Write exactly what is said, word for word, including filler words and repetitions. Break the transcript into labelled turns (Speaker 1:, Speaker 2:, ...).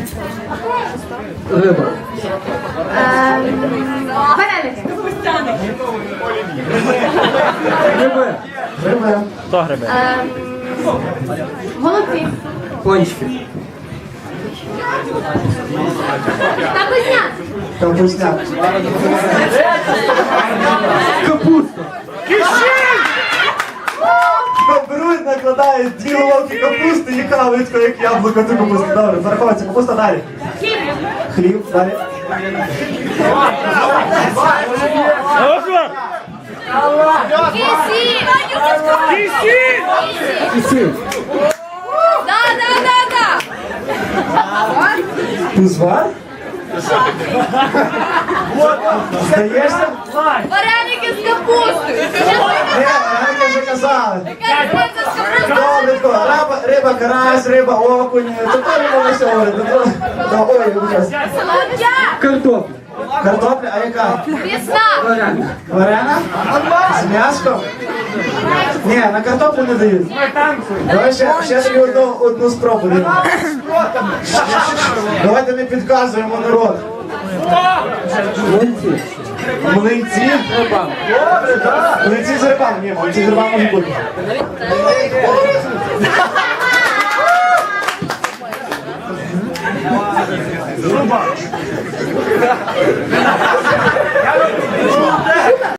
Speaker 1: Риба.
Speaker 2: Вареники.
Speaker 1: Гриби. Гриби.
Speaker 3: Хто гриби?
Speaker 2: Голубці.
Speaker 1: Пончики.
Speaker 2: Капусняк.
Speaker 1: Капусняк. Капуста.
Speaker 4: Беруть, накладають дві головки капусти і кавичку, як яблуко цю капусту. Добре, зараховується капуста далі.
Speaker 2: Хліб.
Speaker 4: Хліб, далі.
Speaker 2: Кисіль.
Speaker 1: Кисіль.
Speaker 2: Да, да, да, да.
Speaker 4: Узвар? Здаєшся?
Speaker 2: Вареники з капустою.
Speaker 4: Ні, Ганька вже казали.
Speaker 2: Яка різниця з капустою?
Speaker 4: Добренько, риба, риба, карась, риба, окунь. Це теж можна все говорити. Ну, ой, вибачаюсь.
Speaker 2: Солодя.
Speaker 1: Картопля.
Speaker 4: Картопля, а яка?
Speaker 2: Весна.
Speaker 1: Варена.
Speaker 4: Варена? З м'яском? Ні, на картоплю не дають. Давай ще, ще тобі одну, одну спробу даємо. Давайте не підказуємо народ.
Speaker 1: Млинці.
Speaker 4: Млинці?
Speaker 1: Риба.
Speaker 4: Млинці з рибами. Ні, млинці з рибами може бути.